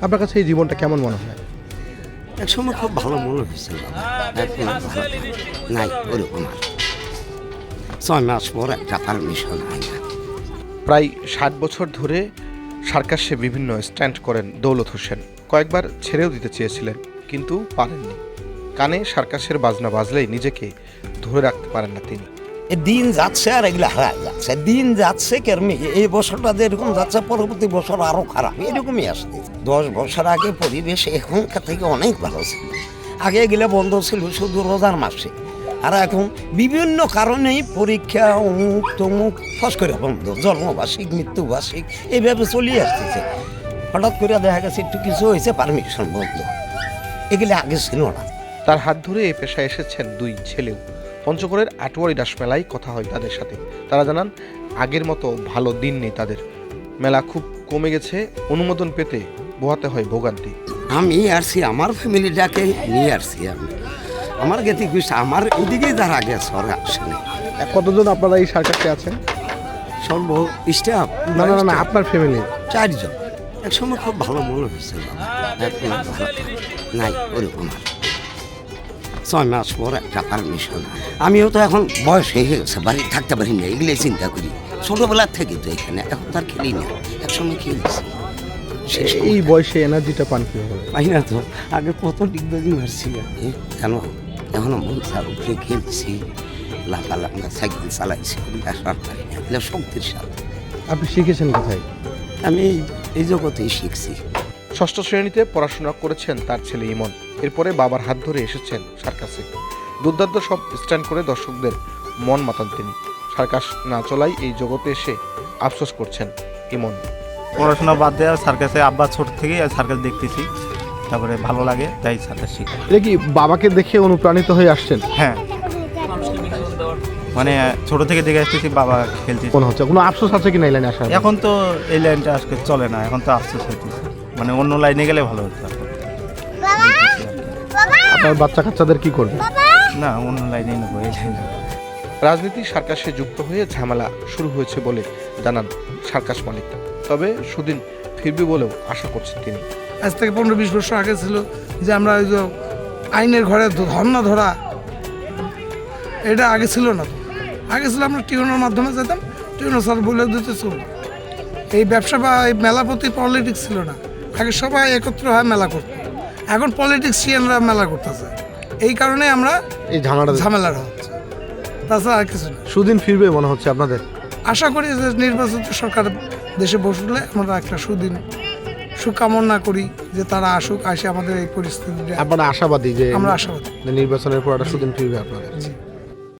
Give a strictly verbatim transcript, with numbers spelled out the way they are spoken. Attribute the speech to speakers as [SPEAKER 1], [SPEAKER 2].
[SPEAKER 1] আপনার কাছে এই জীবনটা কেমন মনে হয়?
[SPEAKER 2] এক সময় খুব ভালো মনে হয়েছিল, এখন আর ভালো নাই ওরকম আর। ছয় মাস পর একটা পারমিশন হয় না।
[SPEAKER 1] প্রায় ষাট বছর ধরে সার্কাসে বিভিন্ন স্ট্যান্ড করেন দৌলত হোসেন। কয়েকবার ছেড়েও দিতে চেয়েছিলেন, কিন্তু পারেননি। কানে সার্কাসের বাজনা বাজলেই নিজেকে ধরে রাখতে পারেন না তিনি।
[SPEAKER 2] দিন যাচ্ছে আর এগুলো হারা যাচ্ছে, দিন যাচ্ছে কেরমি। এই বছরটা যেরকম যাচ্ছে পরবর্তী বছর আরো খারাপ, এরকমই আসছে। দশ বছর আগে পরিবেশ এখনকার থেকে অনেক ভালো ছিল। আগে এগুলো বন্ধ ছিল শুধু রোজার মাসে, আর এখন বিভিন্ন কারণেই পরীক্ষা অমুক তমুক ফস করে বন্ধ, জন্মবার্ষিক মৃত্যুবার্ষিক এইভাবে চলিয়ে আসতেছে। হঠাৎ করে দেখা গেছে একটু কিছু হয়েছে, পারমিশন বন্ধ। এগুলো আগে ছিল না।
[SPEAKER 1] তার হাত ধরে এই পেশায় এসেছেন দুই ছেলেও। পঞ্চগড়ের আটোয়ারি দাস মেলায় কথা হয় তাদের সাথে। তারা জানান আগের মতো ভালো দিন নেই তাদের। মেলা খুব কমে গেছে, অনুমোদন পেতে বোহাতে হয় ভোগান্তি।
[SPEAKER 2] আমি আসছি আমার ফ্যামিলিটাকে নিয়ে আসছি। আমি আমার গেতে খুশি, আমার এদিকে যারা গেছে ওরা আসেনি।
[SPEAKER 1] কতজন আপনারা এই সার্কাসে আছেন?
[SPEAKER 2] সর্ব স্টাফ
[SPEAKER 1] না না না, আপনার ফ্যামিলি?
[SPEAKER 2] চারজন। এক সময় খুব ভালো মনে হয়েছিল, এখন আর ভালো নাই ওরকম আর। ছয় মাস পর একটা পারমিশন। আমিও তো এখন বয়স হয়ে গেছে, বাড়ি থাকতে পারি না, এগুলোই চিন্তা করি। ছোটবেলার থেকে তো এখানে, এখন তার খেলি না, একসময় খেলেছি।
[SPEAKER 1] এই বয়সে এনার্জিটা পান কিভাবে?
[SPEAKER 2] পাই না তো, আগে কত ডিগবাজি মারছি আমি, কেন এখনো মন চার উপরে খেলছি, লাফালাফা সাইকেল চালাইছি, এগুলো শক্তির সাথে।
[SPEAKER 1] আপনি শিখেছেন কোথায়?
[SPEAKER 2] আমি এই জগতেই শিখছি।
[SPEAKER 1] ষষ্ঠ শ্রেণীতে পড়াশোনা করেছেন তার ছেলে ইমন। এরপরে বাবার হাত ধরে এসেছেন সার্কাসে। দুর্দান্ত সব স্ট্যান্ড করে দর্শকদের মন মাতান তিনি। সার্কাস না চলাই এই জগতে এসে আফসোস করছেন ইমন।
[SPEAKER 3] পড়াশোনা বাদ দেওয়া সার্কাসে আব্বা ছোট থেকেই সার্কাস দেখতেছি, তারপরে ভালো লাগে তাই সার্কাস শিখি।
[SPEAKER 1] এটা কি বাবাকে দেখে অনুপ্রাণিত হয়ে আসছেন?
[SPEAKER 3] হ্যাঁ, মানে ছোট থেকে দেখে আসতেছি বাবা খেলতে।
[SPEAKER 1] মনে হচ্ছে কোনো আফসোস আছে কি না এই লাইনে আসার?
[SPEAKER 3] এখন তো এই লাইনটা আজকে চলে না, এখন তো আফসোস হইতেছে, মানে অন্য লাইনে গেলে ভালো হতো।
[SPEAKER 1] আপনার বাচ্চা কাচ্চাদের কি করবে?
[SPEAKER 3] না, অন্য লাইনেই নেবো, এই লাইনে।
[SPEAKER 1] রাজনীতি সার্কাসে যুক্ত হয়ে ঝামেলা শুরু হয়েছে বলে জানান সার্কাস মালিক। তবে সুদিন ফিরবে বলেও আশা করছেন তিনি।
[SPEAKER 4] আজ থেকে পনেরো বিশ বছর আগে ছিল যে আমরা ওই যে আইনের ঘরে ধর্না ধরা, এটা আগে ছিল না। আগে ছিল আমরা টিউনের মাধ্যমে যেতাম, টিউনার স্যার বলে দিতে চলব। এই ব্যবসা বা এই মেলা প্রতি পলিটিক্স ছিল না। আগে সবাই একত্র হয় মেলা করতো, এখন পলিটিক্সিয়ানরা মেলা করতেছে। এই কারণে আমরা
[SPEAKER 1] এই ঝামেলাটা
[SPEAKER 4] ঝামেলাটা হচ্ছে, তাছাড়া আর কিছু না।
[SPEAKER 1] সুদিন ফিরবে মনে হচ্ছে আপনাদের?
[SPEAKER 4] আশা করি যে নির্বাচিত সরকার দেশে বসলে আমরা একটা সুদিন সুকামনা করি যে তারা আসুক, আসে আমাদের এই পরিস্থিতিটা।
[SPEAKER 1] আপনারা আশাবাদী যে
[SPEAKER 4] আমরা আশাবাদী
[SPEAKER 1] নির্বাচনের পর একটা সুদিন ফিরবে আপনাদের?